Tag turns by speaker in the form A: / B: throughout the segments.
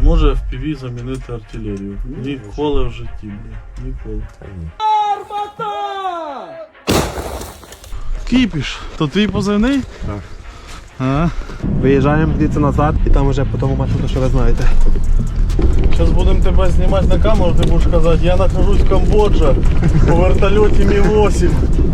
A: може FPV замінити артилерію? Ніколи в житті, бля. Ніколи. Армата! Кіпіш, то твій позивний?
B: Так.
A: А?
B: Виїжджаємо звідси назад і там вже по тому маршруту, що ви знаєте.
A: Зараз будемо тебе знімати на камеру, ти будеш казати, я нахожусь в Камбоджа у вертольоті Мі-8.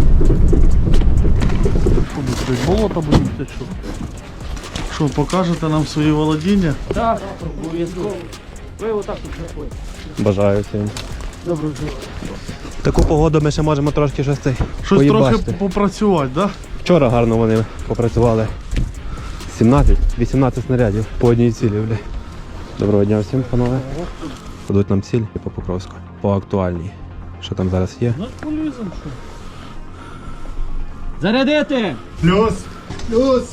A: Болото будемо чи що? Що, покажете нам свої володіння?
C: Так, обов'язково. Ви отак тут знаходите.
B: Бажаю всім.
C: Доброго дня.
B: Таку погоду ми ще можемо трошки щось цей
A: Щось
B: поїбачити.
A: трохи попрацювати, так? Да?
B: Вчора гарно вони попрацювали. 18 снарядів по одній цілі, бля. Доброго дня всім, панове. Дадуть нам ціль і по Покровську. По актуальній. Що там зараз є?
A: Ну, полізем, що?
C: Зарядити!
A: Плюс! Плюс!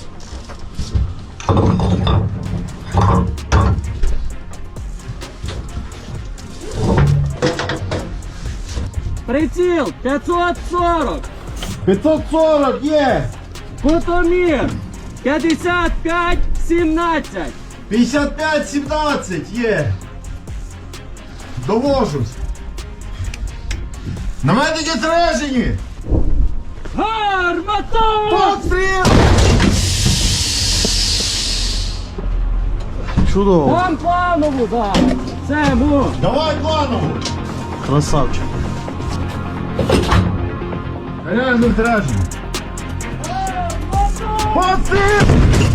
C: Приціл 540!
A: 540 є!
C: Кутомір 55-17!
D: 55-17 є. Довожусь. Наметники зражені.
C: Гармата!
D: Постріл!
A: Чудово!
C: Там планову зараз! Це му!
D: Давай планову.
A: Красавчик!
D: Ряжно зражені. Постріл!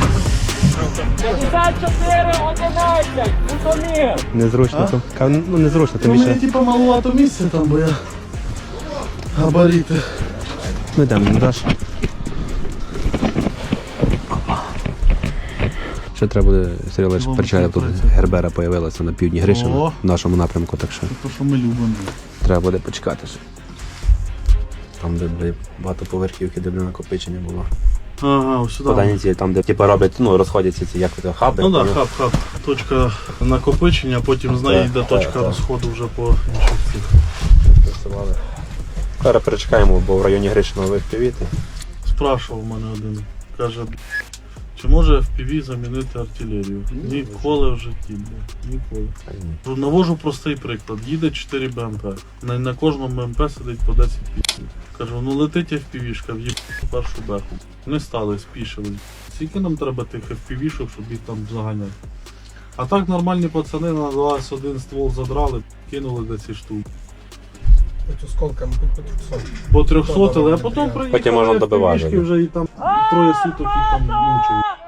C: 54-11! Кутомір!
B: Незручно там. Ну незручно,
A: У
B: тим
A: мене
B: більше.
A: типа маловато місця там, бо я габарити.
B: Ми йдемо, не даш. Ще треба буде, Сергій Олегович,
A: Вон
B: причаля тут
A: працює.
B: Гербера появилася на півдні Гришина,
A: О.
B: в нашому напрямку, так що
A: То, що ми любимо.
B: треба буде почекати ще. Там, де багатоповерхівки, де накопичення було.
A: Ага, ось сюди.
B: Подані ці, там, де типу роблять, ну, розходяться ці, як це, хаби.
A: Ну так,
B: поняв?
A: хаб. Точка накопичення, потім з неї йде точка
B: так.
A: розходу вже по інших цих.
B: Працювали. Зараз перечекаємо, бо в районі Гришина вивпівіти.
A: Спрашував мене один. Каже, чи може FPV замінити артилерію? Ніколи в житті, бля. Ніколи. Навожу простий приклад. Їде 4 БМП. На кожному БМП сидить по 10 пісень. Кажу, ну летить FPV-шка, в'їб першу беху. Не стали, спішили. Скільки нам треба тих FPV-шок, щоб їх там заганяти? А так нормальні пацани на 21 ствол задрали, кинули до ці штуки.
D: Ось осколками по 300.
A: По 300, але потім приїхали
B: Потім можна добивати.
A: FPV-шки вже і там троє суток їх там мучають.